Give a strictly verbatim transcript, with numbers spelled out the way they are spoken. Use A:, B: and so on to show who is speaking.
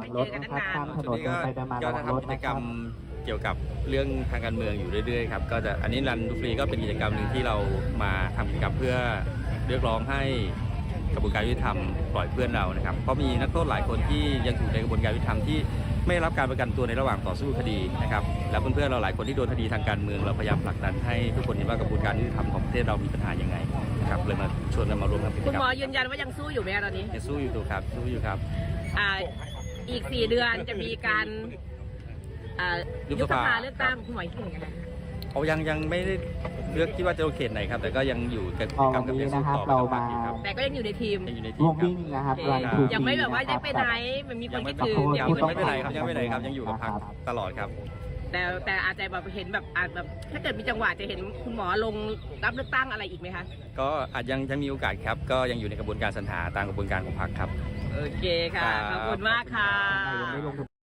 A: งรถนะครับข้ามถนน
B: ก็
A: ไปมา
B: ก็
A: ระวังรถ
B: ทำกิจ
A: นะ
B: ก
A: ค
B: ร
A: รั
B: ร
A: บ
B: มเกี่ยวกับเรื่องทางการเมืองอยู่เรื่อยๆครับก็จะอันนี้รันดูฟรีก็เป็นกิจกรรมหนึ่งที่เรามาทำกิจกรรมเพื่อเรียกร้องให้กระบวนการยุติธรรมปล่อยเพื่อนเรานะครับเพราะมีนักโทษหลายคนที่ยังอยู่ในกระบวนการยุติธรรมที่ไม่ได้รับการประกันตัวในระหว่างต่อสู้คดีนะครับแล้วเพื่อนๆเราหลายคนที่โดนคดีทางการเมืองเราพยายามผลักดันให้ทุกคนเห็นว่ากระบวนการยุติธรรมของประเทศเรามีปัญหายังไงนะครับเลยมาชวนกันมาร่วมทำกิจกรรม
C: คุณหมอยืนยันว่ายังสู้อยู่ไหมคะตอนนี้
B: ยังสู้อยู่ครับสู้อยู่ครับ
C: อ่าอีกสี่เดือนจะมีการอ่า
B: ยุ
C: ยุ
B: บบ ส
C: ส
B: ภา
C: ภาเลือกตั้งคุณหมอคิดเห็นยังไงคะ
B: เขายังยังไม่ได้เลือกที่ว่าจะลงเขตไหนครับแต่ก็ยังอยู่กับกิจกรรมกับยังสู้ต่อไปต่อไปครับ
C: แต่ก็ยังอยู่ในทีม
B: ยังอยู่ในที
A: ร่ว
B: ม
A: ม
B: ครับ
A: วิ่งนะครับ
C: โอเค
A: รันทู
C: ยังไม่แบบว่าได้ไปไหนมันมีคนคิดถึง
B: ยัง
C: มีคน
B: ไม่
C: คิด
B: ไปไหน
C: ถึง
B: ครับยังไม่ไปไหนครับยังอยู่กับพักตลอดครับ
C: แต่แต่อาจจะแบบเห็นแบบอาจแบบถ้าเกิดมีจังหวะจะเห็นคุณหมอลงรับเลือกตั้งอะไรอีกไหมคะ
B: ก็อาจยังยังมีโอกาสครับก็ยังอยู่ในกระบวนการสรรหาตามกระบวนการของพรรคครับ
C: โอเคค่ะ ขอบคุณมากค่ะ
A: ยังไม่ลง